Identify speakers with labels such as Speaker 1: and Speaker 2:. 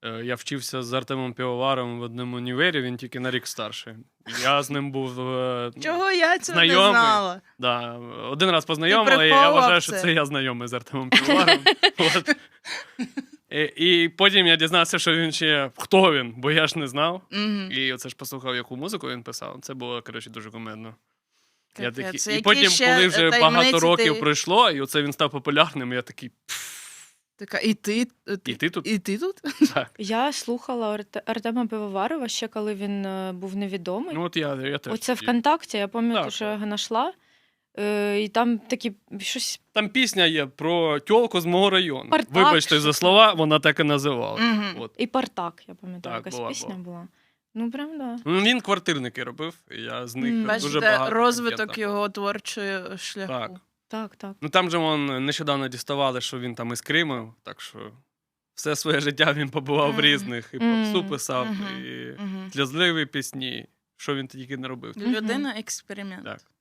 Speaker 1: Я вчився з Артемом Півоваром в одному універі, він тільки на рік старший. Я з ним був
Speaker 2: Чого я цього не
Speaker 1: знайомий.
Speaker 2: знала?
Speaker 1: Да, один раз познайомили, і я вважаю, що це я знайомий з Артемом Півоваром. От. І потім я дізнався, що він ще... Хто він? Бо я ж не знав. І оце ж послухав, яку музику він писав. Це було, коротше, дуже кумедно. Я такий... І потім, коли вже багато років пройшло, і оце він став популярним, я такий...
Speaker 2: Така, і ти
Speaker 1: тут?
Speaker 2: І ти тут?
Speaker 1: Так.
Speaker 3: Я слухала Артема Пивоварова ще коли він був невідомий.
Speaker 1: Ну от я теж.
Speaker 3: Оце ВКонтакті, я пам'ятаю,
Speaker 1: Так,
Speaker 3: що я його знайшла. І там такі щось...
Speaker 1: Там пісня є про тьолку з мого району.
Speaker 3: Партак,
Speaker 1: Вибачте за слова, вона так і називала.
Speaker 2: Мгм.
Speaker 3: І Партак, я пам'ятаю,
Speaker 1: Так,
Speaker 3: якась
Speaker 1: була.
Speaker 3: пісня була. Ну, прям, да.
Speaker 1: Ну, він квартирники робив, і я з них дуже
Speaker 2: Бачите,
Speaker 1: багато.
Speaker 2: розвиток
Speaker 1: пам'ятав.
Speaker 2: його творчого шляху.
Speaker 1: Так.
Speaker 3: Так.
Speaker 1: Ну там же нещодавно діставали, що він там із Криму, так що все своє життя він побував в різних. І попсу писав, і сльозливі пісні. Що він тільки не робив.
Speaker 2: Людина експеримент.
Speaker 1: Так.